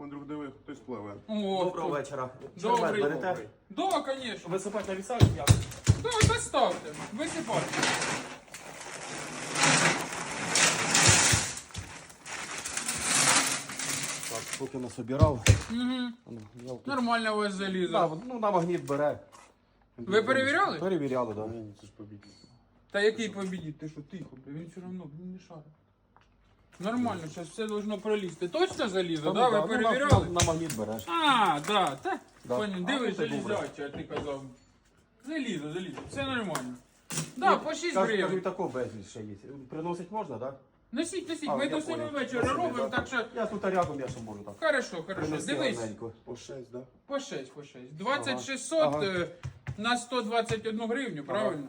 Вдруг диви, хтось пливе. О, Доброго вечора. Добрий. Червет берете? Да, конечно. Висипати на вісак? Я. Да, доставте. Висипайте. Так, поки насобирав. Угу. Нормально у вас залізо. Да, ну на магніт бере. Ви перевіряли? Перевіряли, так. Ні, це ж побіг. Та який побідіть? Ти що, тихо, бля, він все одно не шарить. Нормально, зараз все должно пролізти. Точно залізо, да? Ви перевіряли? На магніт береш. А, да, та. Да. Понял, А, дивись, ну, це добре. залізяче, а ти казав. Залізо, все нормально. Да, по 6 Кажу, і гривень. такого безліч ще є. Приносить можна, так? Носіть, А, ми я до 7 понял. вечора Спасибо, робимо, да. так що... Я тут рядом, я ще можу так. Хорошо, Принести дивись. гарненько. По 6, да? По 6. 2600 Ага. на 121 гривню, правильно?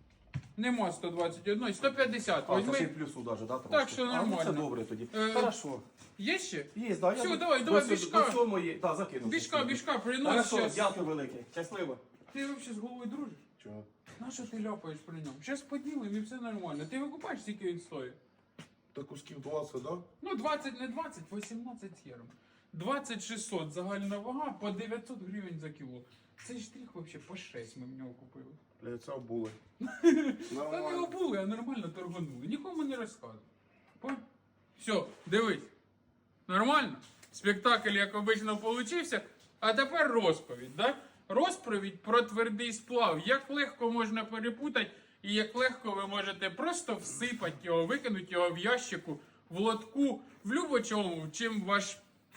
Нема 121, 150. А, це ще й Возьми. плюсу навіть, да? Так що А, ну, нормально. це добре тоді. Е, Хорошо. Є ще? Є, да, Все, я давай, до бішка. До сьомої, так, закину. Бішка, принось Хорошо, щас. дякую велике. Щасливо. Ти взагалі з головою дружиш? Чого? На що ти ляпаєш при ньому? Зараз поділимо і все нормально. Ти викупаєш, скільки він стоїть? Та кусків 20, да? Ну, 20, не 20, 18 євро. 2600 загальна вага по 900 гривень за кіло. Цей штрих взагалі по 6 ми в нього купили. Для це були. Та не обули, а нормально торганули. Нікому не розказували. Все, дивись. Нормально? Спектакль, як обично, получився. А тепер розповідь, да? Розповідь про твердий сплав. Як легко можна перепутати і як легко ви можете просто всипати його, викинути його в ящику, в лотку, в любочому, чим ваш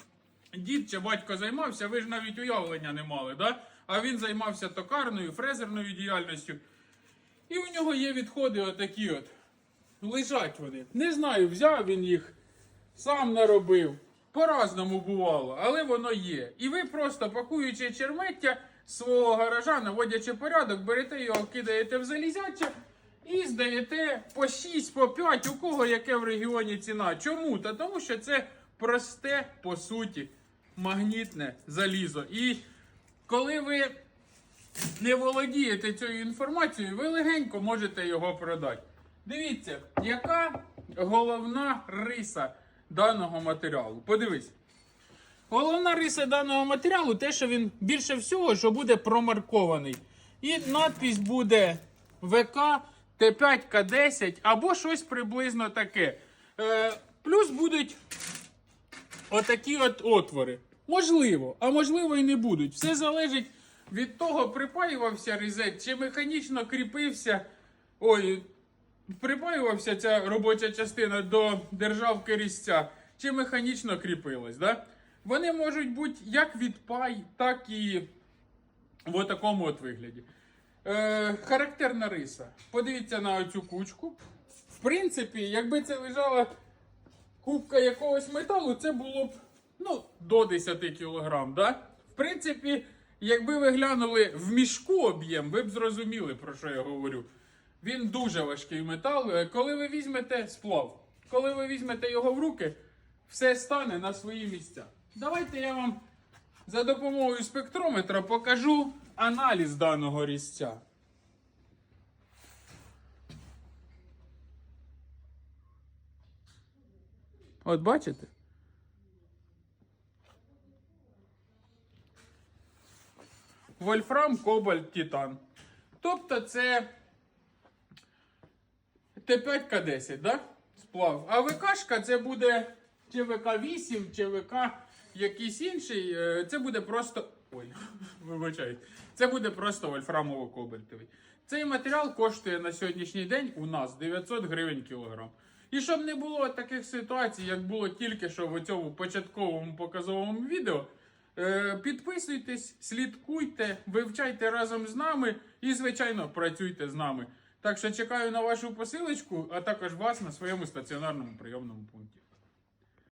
дід чи батько займався, ви ж навіть уявлення не мали, да? А він займався токарною, фрезерною діяльністю. І у нього є відходи отакі от. Лежать вони. Не знаю, взяв він їх, сам наробив. По-разному бувало, але воно є. І ви просто, пакуючи чермеття свого гаража, наводячи порядок, берете його, кидаєте в залізяче і здаєте по 6, по 5, у кого яке в регіоні ціна. Чому? Та тому що це просте, по суті, магнітне залізо. І коли ви не володієте цією інформацією, ви легенько можете його продати. Дивіться, яка головна риса даного матеріалу. Подивись. Головна риса даного матеріалу те, що він більше всього, що буде промаркований. І надпись буде ВК Т5 К10 або щось приблизно таке. Плюс будуть отакі от отвори. Можливо, а можливо і не будуть. Все залежить від того, припаювався різет, чи механічно кріпився. Припаювався ця робоча частина до державки різця, чи механічно кріпилась. Да? Вони можуть бути як від пай, так і в такому от вигляді. Характерна риса. Подивіться на оцю кучку. В принципі, якби це лежала кубка якогось металу, це було б до 10 кг. Да? В принципі, якби ви глянули в мішку об'єм, ви б зрозуміли, про що я говорю. Він дуже важкий метал. Коли ви візьмете сплав, коли ви візьмете його в руки, все стане на свої місця. Давайте я вам за допомогою спектрометра покажу аналіз даного різця. От бачите? Вольфрам, кобальт, титан. Тобто це Т5К10, да? Сплав. А ВКшка це буде чи ВК8, чи ВК якийсь інший. Це буде просто... Ой, вибачайте. Це буде просто вольфрамово-кобальтовий. Цей матеріал коштує на сьогоднішній день у нас 900 гривень кілограм. І щоб не було таких ситуацій, як було тільки що в цьому початковому показовому відео, підписуйтесь, слідкуйте, вивчайте разом з нами і, звичайно, працюйте з нами. Так що чекаю на вашу посилочку, а також вас на своєму стаціонарному прийомному пункті.